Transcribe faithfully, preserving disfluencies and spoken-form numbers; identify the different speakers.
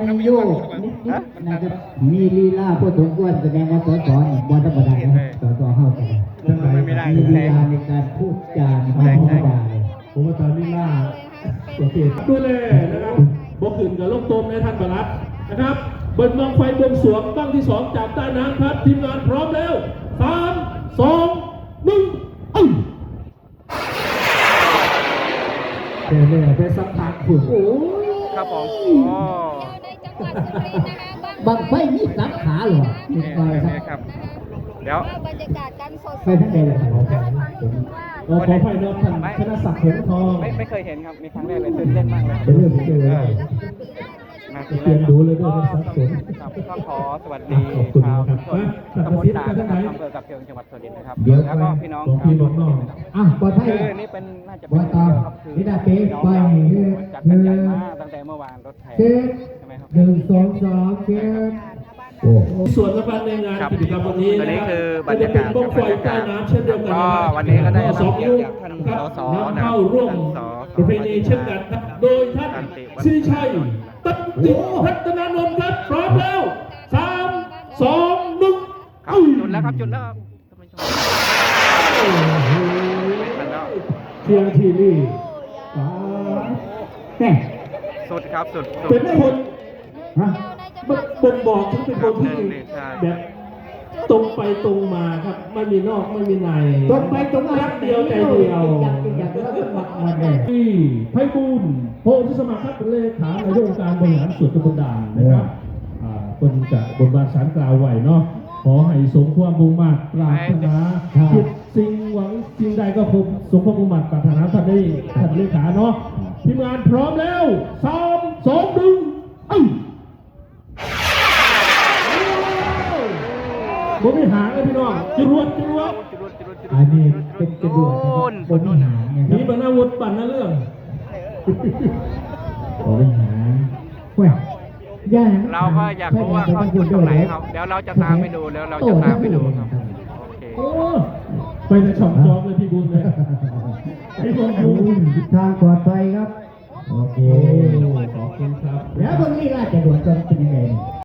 Speaker 1: โยกนิดๆนะครับมีลีลาพูดถึงอ้วนแสดงว่าสสนี่บอลธรรมดานะครับสสเข้ากันมีลีลาในการพูดจาไม่ธรรมดาเลย
Speaker 2: ผมว่าตอนนี้ล่าโอเคดูเลยนะครับบกขึ้นกับลูกตมในท่านประหลัดนะครับเบิร์มังไฟบวงสรวงบ้างที่สองจากใต้น้ำพัดทีมงานพร้อมแล้วสามสองหนึ่งเอ้ยเดี๋ยวเนี่ยไปสักพักคุณโอ้
Speaker 3: ครับผมอ๋อ
Speaker 1: บังไฟมีสักขาเหรอมีไฟ
Speaker 3: ครับเดี๋ยว
Speaker 4: บรรยากาศการสด
Speaker 1: ไฟทั้งเดเลยครับ
Speaker 2: ขอไฟนอกท่านชนะศักดิ์หงทอง
Speaker 3: ไม่ไม่เคยเห็นครับมีครั้งแรกเลยตื่นเต้นมากเลย
Speaker 2: เป็นเรื่องที่เจอเลยเตรียมดูเลยด้วยสักสน
Speaker 3: ครับก็ขอสวัสดีชาวทุกคนตำบลด่านนะครับอำเภอกับเชียงจังหวัดสุรินทร์นะครับแล้วก็พี่น้องชาวสุรินทร์นะครับ
Speaker 1: อ่ะปลอดภัย
Speaker 3: คือนี่เป็นน่าจะเป็นเดียวครับคือพี่น้องจากกันใหญ่มาตั้งแต่เมื่อวานรถแห่ใช่ไหมครับ
Speaker 1: หนึ่งสองสามเจ็ด
Speaker 2: ส่วนสำคัญในงานกิจกรรมวันนี้
Speaker 3: ตัวนี้คือบรรยากาศ
Speaker 2: บ้องไฟใต้น้ำเช่นเดียวกัน
Speaker 3: ก็วันนี้ก็ได้รับเกียรติจากท่านสสนะ
Speaker 2: เข้าร่วมประเพณีเช่นกันโดยท่านสิริชัยตันติพัฒนานนท์ครับพร้อมแล้วสามสองหนึ่ง
Speaker 3: ครับจุดแล้วครับจุดแล้วครับ
Speaker 2: เทียงทีนี่
Speaker 3: สุดครับสุด
Speaker 2: เป็นคนฮะบ่งบอกถึงเป็นคนที่แบบตรงไปตรงมาครับไม่มีนอกไม่มีใน
Speaker 1: ตรงไปตรงมา
Speaker 2: รักเดียวใจเดียวที่ไพบูลย์โพธิสมัครครับเป็นเลขานายกองค์การบริหารส่วนตำบลด่านนะครับคนจะบนบานสารกล่าวไหวเนาะขอให้สมความมุ่งมั่นปรารถนาคิดสิ่งหวังสิ่งใดก็คงสมความมุ่งมั่นปรารถนาท่านได้ท่านเลขาเนาะทีมงานพร้อมแล้วสามสองหนึ่งเอ้ยผมไม่หาเลยพี่น้องจรวดจรวด
Speaker 1: อันนี้เป็นจรวดนะครับผมไม่หา
Speaker 2: มีบรรณาวุฒิปั่นนะเรื่อง
Speaker 1: ผมไม่หาเว้ย
Speaker 3: เราก็อยากรู้ว่าเขาอยู่ตรงไหนครับเดี๋ยวเราจะตามไปดูแล้วเราจะตามไปดูครับโอเค
Speaker 2: ไปในช่องจอกเลยพี่บุญเลยพี่บุญ
Speaker 1: ทางปลอดภัยครับ
Speaker 2: โอเคขอบคุณครับ
Speaker 1: แล้วตรงนี้ราชดวดจะเป็นยังไง